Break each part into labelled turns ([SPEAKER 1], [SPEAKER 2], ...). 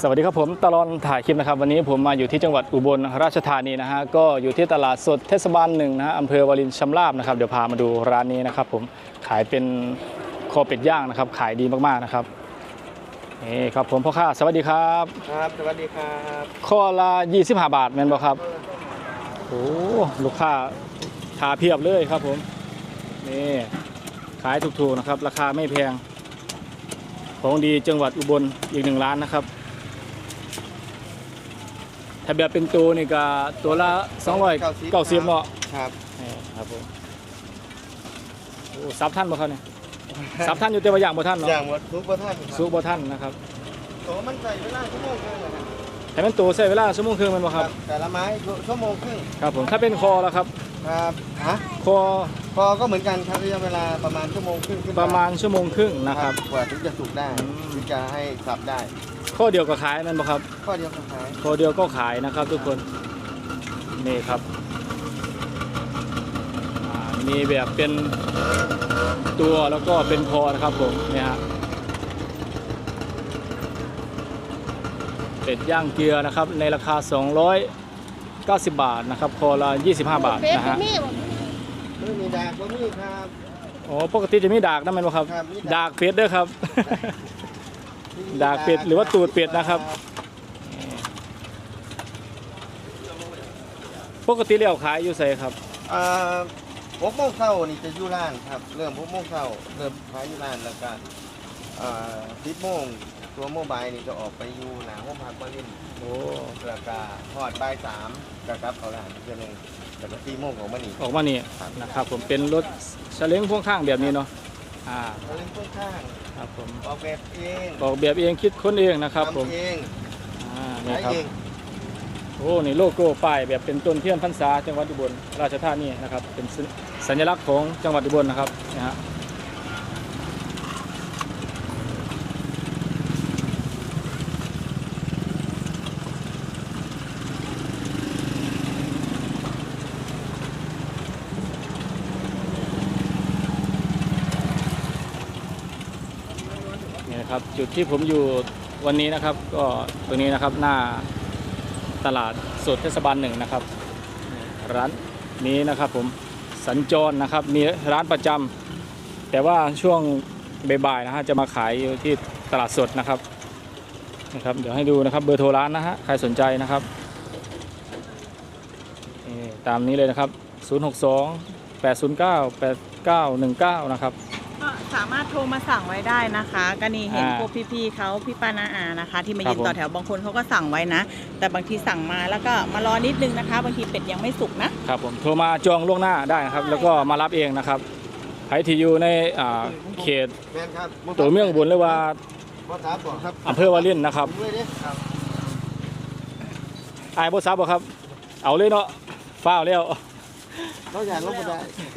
[SPEAKER 1] สวัสดีครับผมตลอดถ่ายคลิปนะครับวันนี้ผมมาอยู่ที่จังหวัดอุบลราชธานีนะฮะก็อยู่ที่ตลาดสดเทศบาล1นะฮะอำเภอวารินชำราบนะครับเดี๋ยวพามาดูร้านนี้นะครับผมขายเป็นคอเป็ดย่างนะครับขายดีมากๆนะครับนี่ครับผมพ่อค้าสวัสดีครับ
[SPEAKER 2] ครับสวัสดีครับ
[SPEAKER 1] ข้อละ25 บาทแม่นบ่ครับโอ้ลูกค้าทาเพียบเลยครับผมนี่ขายถูกๆนะครับราคาไม่แพงของดีจังหวัดอุบลอีก1 ร้านนะครับถ้าแบบเป็นตัวนี่ก็ตัวละ290เนาะ
[SPEAKER 2] ครับ
[SPEAKER 1] ครับผมโอ้ซับท่านบ่ครับเนี่ยซับท่านอยู่แต่ว่าอย่างบ่ท่านเนาะ
[SPEAKER 2] อย่างหมดซุปเปอร์ท่าน
[SPEAKER 1] ซุปบ่ท่านนะครับ
[SPEAKER 2] โตมันใส่เวลาชั่วโมงครึ่งนะครับ
[SPEAKER 1] ให้มันตัวใช้เวลาชั่วโมงครึ่งมันบ่ครับ
[SPEAKER 2] แต่ละไม้ชั่วโมงครึ่ง
[SPEAKER 1] ครับผมถ้าเป็นคอแล้วครับ
[SPEAKER 2] ครับฮะ
[SPEAKER 1] คอ
[SPEAKER 2] ก็เหมือนกันครับระยะเวลาประมาณชั่วโมงครึ่ง
[SPEAKER 1] ประมาณชั่วโมงครึ่งนะครับ
[SPEAKER 2] กว่าถึงจะสุกได้ถึงจะให้สับได้
[SPEAKER 1] ข้อเดียวก็ขายนั่นบ่ครับ
[SPEAKER 2] ข้อเดียวก็ขาย
[SPEAKER 1] ข้อเดียวก็ขายนะครับทุกคนนี่ครับมีแบบเป็นตัวแล้วก็เป็นคอนะครับผมเนี่ยฮะเป็ดย่างเกลือนะครับในราคา290 บาทนะครับคอละ25 บาทนะฮะ
[SPEAKER 2] ไม่มีดากก็มีครับ
[SPEAKER 1] อ๋อปกติจะมีดากนั่นไหมครับดากเป็ดด้วยครับดากเป็ดหรือว่าตูดเป็ดนะครับปกติแล้วขายอยู่ไสครับ
[SPEAKER 2] 6 โมงเช้านี่จะอยู่ร้านครับเริ่ม6 โมงเช้าเริ่มขายอยู่ร้านแล้วก็10 โมงตัวโมบายนี่จะออกไปอยู่หน้าห้องพักวาริน
[SPEAKER 1] โอ้
[SPEAKER 2] แล้วก็ทอดบ่าย 3กับเขาร้านเดือนนึงแล้วก็4 โมงของมันนี่
[SPEAKER 1] ออกมานี่นะครับผมเป็นรถเฉล้งพ่วงข้างแบบนี้เนาะ
[SPEAKER 2] เฉล้งพ่วงข้าง
[SPEAKER 1] ครับผม
[SPEAKER 2] ออกแบบเอง
[SPEAKER 1] คิดค้นเองนะครับผม
[SPEAKER 2] เอง
[SPEAKER 1] นี่ครับโอ้นี่โลโก้ป้ายแบบเป็นต้นเทียนพรรษาจังหวัดอุบลราชธานีนะครับเป็นสัญลักษณ์ของจังหวัดอุบลนะครับนะฮะนี่นะครับจุดที่ผมอยู่วันนี้นะครับก็ตรงนี้นะครับหน้าตลาดสดเทศบาล1นะครับร้านนี้นะครับผมสัญจรนะครับมีร้านประจำแต่ว่าช่วงบ่ายๆนะฮะจะมาขายอยู่ที่ตลาดสดนะครับเดี๋ยวให้ดูนะครับเบอร์โทรร้านนะฮะใครสนใจนะครับตามนี้เลยนะครับ062-809-8919นะครับ
[SPEAKER 3] ก็สามารถโทรมาสั่งไว้ได้นะคะก็นี่เห็นพวกพี่ๆเขาพี่ป้าน้าอานะคะที่มายืนต่อแถวบางคนเขาก็สั่งไว้นะแต่บางทีสั่งมาแล้วก็มารอนิดนึงนะคะบางทีเป็ดยังไม่สุกนะครับ
[SPEAKER 1] ผมโทรมาจองล่วงหน้าได้นะครับแล้วก็มารับเองนะครับใครที่อยู่ในเขตตัวเมืองอุบลหรือว่าอำเภอวารินนะครับไอ้บซับบ่ครับเอาเลยเนาะฟ้าแล้ว
[SPEAKER 2] เราอยากลบไม่ได้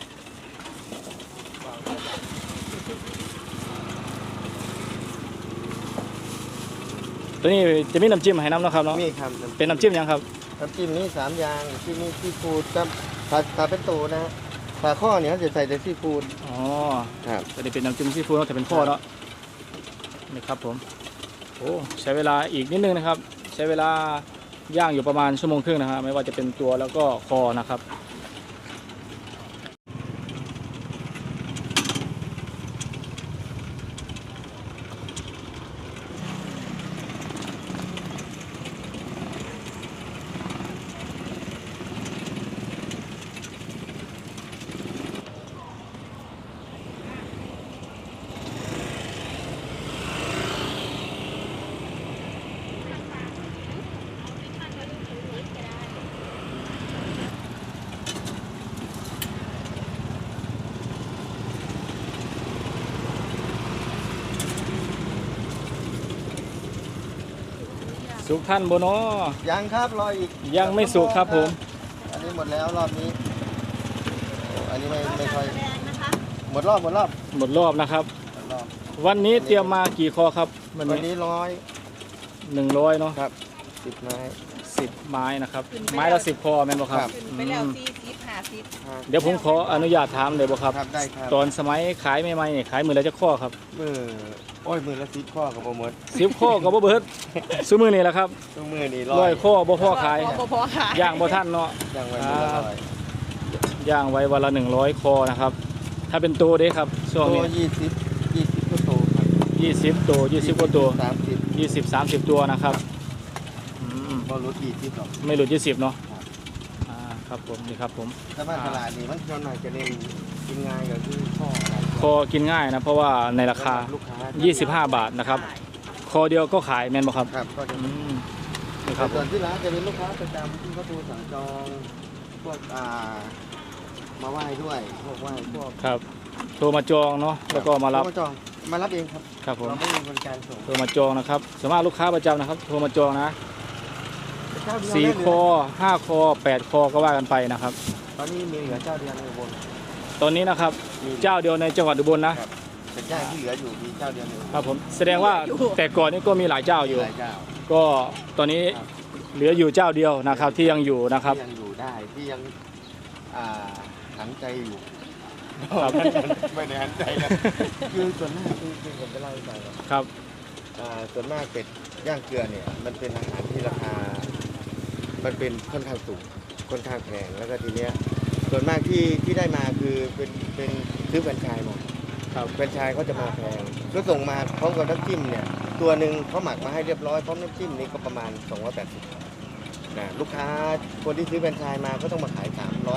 [SPEAKER 1] ตัวนี้จะมีน้ำจิ้มให้น้ำนะครับเนาะ
[SPEAKER 2] มีครับ
[SPEAKER 1] เป็นน้ำจิ้มยังครับ
[SPEAKER 2] น้ำจิ้มนี้3 อย่างที่มีซีฟู้ดกับถ้าเป็นตัวนะถ้าข้อเนี่ยจะใส่แต่ซีฟู้ด
[SPEAKER 1] อ๋อครับตัวนี้เป็นน้ำจิ้มซีฟู้ดแต่เป็นข้อเนาะนี่ครับผมโอ้ใช้เวลาอีกนิดนึงนะครับใช้เวลาย่างอยู่ประมาณ1 ชั่วโมงครึ่งนะครับไม่ว่าจะเป็นตัวแล้วก็คอนะครับสุกท่านโบโน
[SPEAKER 2] ยังครับรออีก
[SPEAKER 1] ยังไม่สุกครับผม
[SPEAKER 2] อันนี้หมดแล้วรอบนี้อันนี้ไม่ค่อยหมดรอบ
[SPEAKER 1] นะครับวันนี้เตรียมมากี่คอครับ
[SPEAKER 2] วันนี้
[SPEAKER 1] 100เนาะ
[SPEAKER 2] ครับ10 ไม้
[SPEAKER 1] นะครับไม้ละ10 คอแม่นบ่ครับ
[SPEAKER 3] ไปแล้ว40 50
[SPEAKER 1] เดี๋ยวผมขออนุญาตถามเลยบ่ครับ
[SPEAKER 2] ครับได้ครับ
[SPEAKER 1] ตอนสมัยขายใหม่ๆนี่ขายมือละจักข้อครับ
[SPEAKER 2] มือละ10 ข้อกับบ่หมด
[SPEAKER 1] 10ข้อก็บ่เบิดซื้อมือนี่แหละครับ
[SPEAKER 2] ทุกมือนี่
[SPEAKER 1] ร้อยข้อบ่พอขาย
[SPEAKER 3] บ่พอขาย
[SPEAKER 1] ย่างบ่ทันเนาะ
[SPEAKER 2] ย่างไว้มื้อละร้อย
[SPEAKER 1] ย่างไว้วันละ100คอนะครับถ้าเป็นตัวเด้ครับช่วง
[SPEAKER 2] ตั
[SPEAKER 1] นี้
[SPEAKER 2] ว20ก็โตครับ
[SPEAKER 1] 20ตัว20กว่าตัว
[SPEAKER 2] 30
[SPEAKER 1] 20-30 ตัวนะครับอืม
[SPEAKER 2] บ่ลด20หรอก
[SPEAKER 1] ไม่หลุด20เนาะ
[SPEAKER 2] ครับ
[SPEAKER 1] ครับผมนี่ครับผม
[SPEAKER 2] แต่ว่าตลาดนี่มันส่วนมากจะเน้นกินง่ายก็คือข้ออะไร
[SPEAKER 1] คอกินง่ายนะเพราะว่าในราคา
[SPEAKER 2] ลูกค้า
[SPEAKER 1] 25 บาทนะครับคอเดียวก็ขายแม่นบ่ครับ
[SPEAKER 2] ครับก็จะ
[SPEAKER 1] อืมนี่ค
[SPEAKER 2] แต่
[SPEAKER 1] รับผ
[SPEAKER 2] ส่วน
[SPEAKER 1] ม
[SPEAKER 2] ที่ร้านจะเป็นลูกค้าประจำที่เขาโทรสั่งจองพวกมาไหว้ด้วยพวกไหว้พวก
[SPEAKER 1] ครับโทรมาจองเนาะแล้วก็มารับ
[SPEAKER 2] โทจองมารับเองครับ
[SPEAKER 1] ครับผม
[SPEAKER 2] เราไม่มีบริการส่ง
[SPEAKER 1] โทรมาจองนะครับสามารถลูกค้าประจำนะครับโทรมาจองนะ
[SPEAKER 2] เจ้าเดียว
[SPEAKER 1] 4คอ5คอ8คอก็ว่ากันไปนะครับ
[SPEAKER 2] ตอนนี้มีเหลือเจ้าเดียวในอุบล
[SPEAKER 1] ตอนนี้นะครับเจ้าเดียวในจังหวัดอุบลนะ
[SPEAKER 2] ครับเป็นเจ้าที่เหลืออยู่มีเจ้าเดียวในอุบล
[SPEAKER 1] ครับผมแสดงว่าแต่ก่อนนี้ก็มีหลายเจ้าอยู่
[SPEAKER 2] หลายเจ้า
[SPEAKER 1] ก็ตอนนี้เหลืออยู่เจ้าเดียวนะครับที่ยังอยู่นะครับ
[SPEAKER 2] ที่ยังอยู่ได้ที่ยังหันใจอยู่
[SPEAKER 1] ครับ
[SPEAKER 2] ไม่ได้หันใจนะคือส่วนมากคือผมจะเล่าให้ฟังครับ
[SPEAKER 1] ครับ
[SPEAKER 2] ส่วนมากเป็ดย่างเกลือเนี่ยมันเป็นอาหารที่ราคา มันเป็นค่อนข้างสูงค่อนข้างแพงแล้วก็ทีเนี้ยส่วนมากที่ได้มาคือเป็นซื้อแฟรนไชส์มา
[SPEAKER 1] ครับ
[SPEAKER 2] แฟรนไชส์เขาจะมาแพงก็ส่งมาพร้อมกับน้ำจิ้มเนี่ยตัวหนึ่งเขาหมักมาให้เรียบร้อยพร้อมน้ำจิ้มนี่ก็ประมาณ280นะลูกค้าคนที่ซื้อแฟรนไชส์มาก็ต้องมาขาย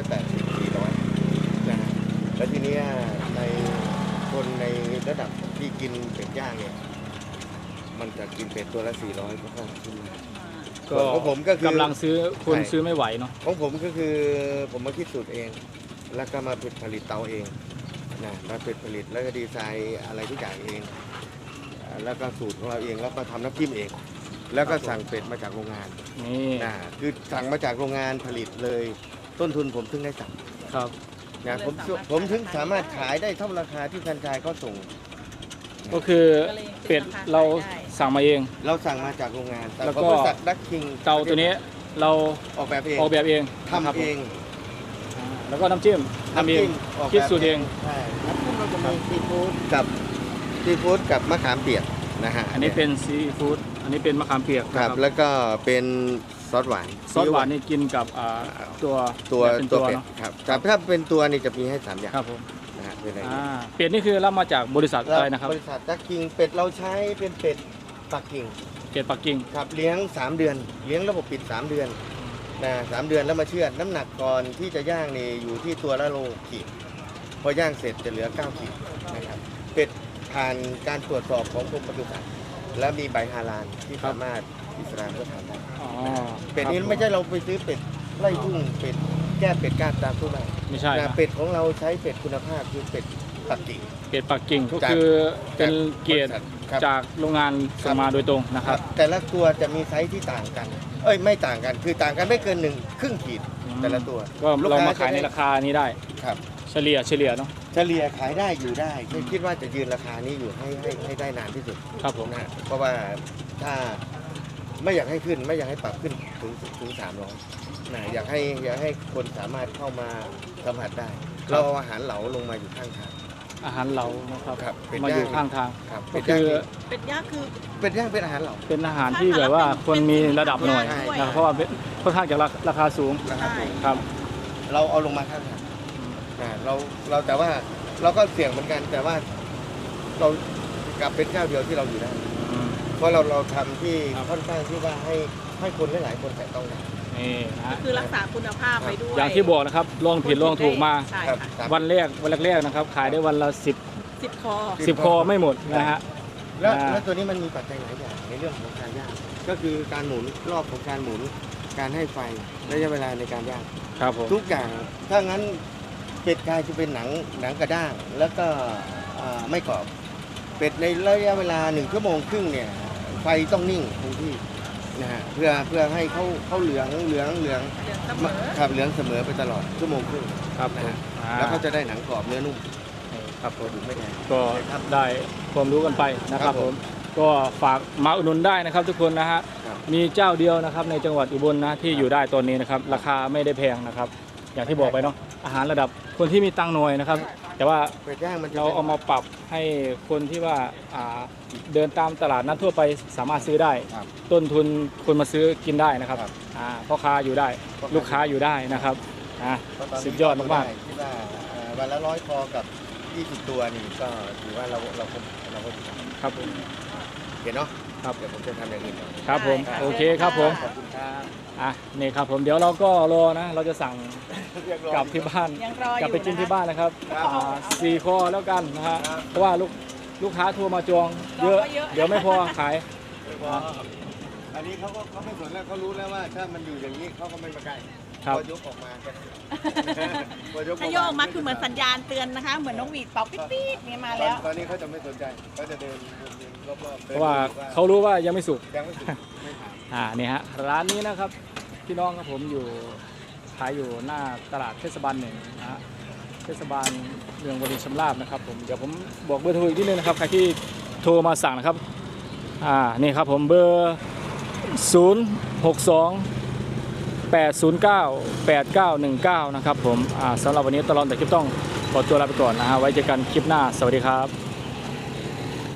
[SPEAKER 2] 380 400นะฮะแล้วทีเนี้ยในคนในระดับที่กินเป็ดย่างเนี่ยมันจะกินเป็ดตัวละ400ก็ค่อนข้างขึ้น
[SPEAKER 1] ก็
[SPEAKER 2] ของผมก็คือก
[SPEAKER 1] ำลังซื้อคน
[SPEAKER 2] ใช่
[SPEAKER 1] ซื้อไม่ไหวเนาะ
[SPEAKER 2] ของผมก็คือผมมาคิดสูตรเอง แล้วก็มาผลิตเตาเองนะมาผลิตแล้วก็ดีไซน์อะไรทุกอย่างเองแล้วก็สูตรของเราเองแล้วก็ทำน้ำจิ้มเอง แล้วก็สั่งเป็ดมาจากโรงงาน
[SPEAKER 1] นี่
[SPEAKER 2] นะคือสั่งมาจากโรงงานผลิตเลยต้นทุนผมถึงได้สั่ง
[SPEAKER 1] ครับ
[SPEAKER 2] นะผมถึงสามารถขายได้เท่าราคาที่แฟรนไชส์เขาส่ง
[SPEAKER 1] ก็คือเป็ดเราสั่งมาเอง
[SPEAKER 2] เราสั่งมาจากโรงงานแต่
[SPEAKER 1] แล้ว
[SPEAKER 2] ข
[SPEAKER 1] ก็
[SPEAKER 2] องบริษัทดักคิง
[SPEAKER 1] เตาตัวนี้เรา
[SPEAKER 2] ออกแบบเอง
[SPEAKER 1] ออกแบบเอง
[SPEAKER 2] ทำเอง
[SPEAKER 1] แล้วก็น้ำจิ้มทำเอง
[SPEAKER 2] ออกแบบ
[SPEAKER 1] คิดสูตรเอง
[SPEAKER 2] ใช่น้ำจิ้มเราจะมีซีฟู้ดกับมะขามเปียกนะฮะ
[SPEAKER 1] อันนี้เป็นซีฟู้ดอันนี้เป็นมะขามเปียก
[SPEAKER 2] ครับ แล้วก็เป็นซอสหวาน
[SPEAKER 1] ซอสหวานนี่กินกับตัว
[SPEAKER 2] ตัว
[SPEAKER 1] เป็น
[SPEAKER 2] ตัวเป็ด
[SPEAKER 1] เนาะ
[SPEAKER 2] ครับแต่ถ้าเป็นตัวนี่จะมีให้3อย่าง
[SPEAKER 1] ครับผม
[SPEAKER 2] นะฮะเป็นอะไร
[SPEAKER 1] เป็ดนี่คือรับมาจากบริษัทอะไรนะครับ
[SPEAKER 2] บริษัทดักคิงเป็ดเราใช้เป็นเป็ดปักกิ่ง
[SPEAKER 1] เป็ดปักกิ่ง
[SPEAKER 2] ครับเลี้ยง3 เดือน เลี้ยงระบบปิด3 เดือนนะ3 เดือนแล้วมาเชือดน้ำหนักก่อนที่จะย่างนี่อยู่ที่ตัวละโลขีดพอย่างเสร็จจะเหลือ9ขีดนะครับเป็ดผ่านการตรวจสอบของกรมปศุสัตว์และมีใบฮาลาลที่สามารถอิสลามก็ทำได้
[SPEAKER 1] อ๋อ
[SPEAKER 2] เป็ดนี้ไม่ใช่เราไปซื้อเป็ดไล่ทุ่งเป็ดแก้เป็ดก้านตามทั่วไป
[SPEAKER 1] ไม่ใช่
[SPEAKER 2] นะ
[SPEAKER 1] นะ
[SPEAKER 2] เป็ดของเราใช้เป็ดคุณภาพคือเป็ดปักกิ่ง
[SPEAKER 1] เป็ดปักกิ่งก็คือเป็นเกียรติ
[SPEAKER 2] ครับ
[SPEAKER 1] จากโรงงานส่งมาโดยตรงนะครับ
[SPEAKER 2] แต่ละตัวจะมีไซส์ที่ต่างกัน ไม่ต่างกันคือต่างกันไม่เกิน1/2 ขีดแต่ละตัว
[SPEAKER 1] ก็เรามาขายในราคานี้ได้
[SPEAKER 2] ครับ
[SPEAKER 1] เฉลี่ยเนาะ
[SPEAKER 2] เฉลี่ยขายได้อยู่ได้คิดว่าจะยืนราคานี้อยู่ให้ได้นานที่สุด
[SPEAKER 1] ครับผม
[SPEAKER 2] นะเพราะว่าถ้าไม่อยากให้ขึ้นไม่อยากให้ปรับขึ้นถึง300นะอยากให้คนสามารถเข้ามาสัมผัสได้ เราเอาอาหารเหลาลงมาอยู่ข้างทาง
[SPEAKER 1] อาหารเหลานะครับ
[SPEAKER 2] ครับเป็ด
[SPEAKER 1] มาอยู่
[SPEAKER 2] ย่าง
[SPEAKER 1] ข้างทาง
[SPEAKER 2] ครับ
[SPEAKER 1] ก็คือ
[SPEAKER 3] เป็ดย่างคือ
[SPEAKER 2] เป็ดย่างเป็นอาหารเหลา
[SPEAKER 1] เป็นอาหารที่แบบว่าคนมีระดับหน่อย
[SPEAKER 2] ใช่
[SPEAKER 1] นะครับเพราะว่าค่อนข้างจะราคาสูง
[SPEAKER 2] นะครับ
[SPEAKER 3] ใช่
[SPEAKER 1] ครับ
[SPEAKER 2] เราเอาลงมาข้างทางเราแต่ว่าเราก็เสี่ยงเหมือนกันแต่ว่าเรากลับเป็นเจ้าเดียวที่เราอยู่ได้ เพราะเราทำที่
[SPEAKER 1] ครับ
[SPEAKER 2] ค่อนข้างที่ว่าให้คนหลายๆคนแตะต้องได้
[SPEAKER 1] นี่นะฮะ
[SPEAKER 3] คือรักษาคุณภาพไปด้วย
[SPEAKER 1] อย่างที่บอกนะครับลองผิดลองถูกมา
[SPEAKER 3] ใช่
[SPEAKER 2] ครับ
[SPEAKER 3] ค่ะ
[SPEAKER 1] วันแรกนะครับ ขายได้วันละ10
[SPEAKER 3] 10 คอ
[SPEAKER 1] 10คอไม่หมดนะฮะ
[SPEAKER 2] แล้ว
[SPEAKER 1] อ่า
[SPEAKER 2] แล้วตัวนี้มันมีปัจจัยหลายอย่างในเรื่องของการย่างก็คือการหมุนรอบของการหมุนการให้ไฟระยะเวลาในการย่าง
[SPEAKER 1] ครับผม
[SPEAKER 2] ทุกอย่างถ้างั้นเป็ดกายจะเป็นหนังกระด้างแล้วก็ไม่กรอบเป็ดในระยะเวลา1 ชั่วโมงครึ่งเนี่ยไฟต้องนิ่งคงที่นะฮะเพื่อให้เขาเหลือง
[SPEAKER 3] เดือนเสมอ
[SPEAKER 2] ครับเหลืองเสมอไปตลอด1 ชั่วโมงครึ่ง
[SPEAKER 1] ครับ
[SPEAKER 2] นะฮะ
[SPEAKER 1] อ่า
[SPEAKER 2] แล้วเขาจะได้หนังกรอบเนื้อนุ่ม
[SPEAKER 1] ครับ
[SPEAKER 2] ตัวดูไม่แดง
[SPEAKER 1] ก็ได้ความรู้กันไปนะค
[SPEAKER 2] ครั
[SPEAKER 1] รับบ ผ
[SPEAKER 2] ผม ม
[SPEAKER 1] ก็ฝากมาอุดหนุนได้นะครับทุกคนนะฮะ
[SPEAKER 2] ครับ
[SPEAKER 1] มีเจ้าเดียวนะครับในจังหวัดอุบลนะที่อยู่ได้ตอนนี้นะครับราคาไม่ได้แพงนะครับอย่างที่บอกไปเนาะอาหารระดับคนที่มีตังค์หน่อยนะครับ แต่ว่า
[SPEAKER 2] เป็ดย่างมันจะ
[SPEAKER 1] เราเอามาปรับให้คนที่ว่าเดินตามตลาดนัดทั่วไปสามารถซื้อได้
[SPEAKER 2] ครับ
[SPEAKER 1] ต้นทุนคนมาซื้อกินได้นะครับ
[SPEAKER 2] ครับ
[SPEAKER 1] พ่อค้าอยู่ได้
[SPEAKER 2] พ่อค้า
[SPEAKER 1] ลูกค้าอยู่ได้นะครับ
[SPEAKER 2] เพราะตนนี้
[SPEAKER 1] สุดยอดมาก
[SPEAKER 2] คิดว่าวันละ100คอกับ20ตัวนี่ก็ถือว่าเราก็
[SPEAKER 1] ๆครับผม
[SPEAKER 2] เห็นเนาะ
[SPEAKER 1] ครับ
[SPEAKER 2] เดี๋ยวผมจะทำอย่างอื่นก่อน
[SPEAKER 1] ครับผม
[SPEAKER 3] ได้ค่ะ
[SPEAKER 1] โอเคครับผม
[SPEAKER 2] ขอบคุณครับ
[SPEAKER 1] นี่ครับผมเดี๋ยวเราก็รอนะเราจะสั่งกลับที่บ้าน
[SPEAKER 3] ยังรออยู่
[SPEAKER 1] กลับไปกินที่บ้านนะครับ
[SPEAKER 2] ครับ
[SPEAKER 1] 4 คอแล้วกันนะฮะ
[SPEAKER 2] ครับ
[SPEAKER 1] เพราะว่าลูกค้าโทรมาจองเยอะ เดี๋ยวไม่พอขาย
[SPEAKER 2] อันนี้เขาไม่สนแล้วเขารู้แล้วว่าถ้ามันอยู่อย่างนี้เขาก็ไม่มาใกล้
[SPEAKER 1] ครับ
[SPEAKER 2] พอยกออกมาก็พอยก
[SPEAKER 3] ถ้าโยกออกมาคือเหมือนสัญญาณเตือนนะคะ เหมือนนกหวีดเป่าปิ๊ดๆเนี่ยมาแล้ว
[SPEAKER 2] ตอนนี้เขาจะไม่สนใจเขาจะเดินรอบๆ
[SPEAKER 1] เพราะว่าเขารู้ว่ายังไม่สุก
[SPEAKER 2] ยังไม่สุดไม่ถาม
[SPEAKER 1] นี่ฮะร้านนี้นะครับพี่น้องครับผมอยู่ขายอยู่หน้าตลาดเทศบาล1นะฮะเทศบาลเมืองวรินทร์ชำราบนะครับผมเดี๋ยวผมบอกเบอร์โทรอีกนิดนึงนะครับใครที่โทรมาสั่งนะครับนี่ครับผมเบอร์ 062-809-8919 นะครับผมสำหรับวันนี้ตลอดแต่คลิปต้องขอตัวลาไปก่อนนะฮะไว้เจอกันคลิปหน้าสวัสดีครับ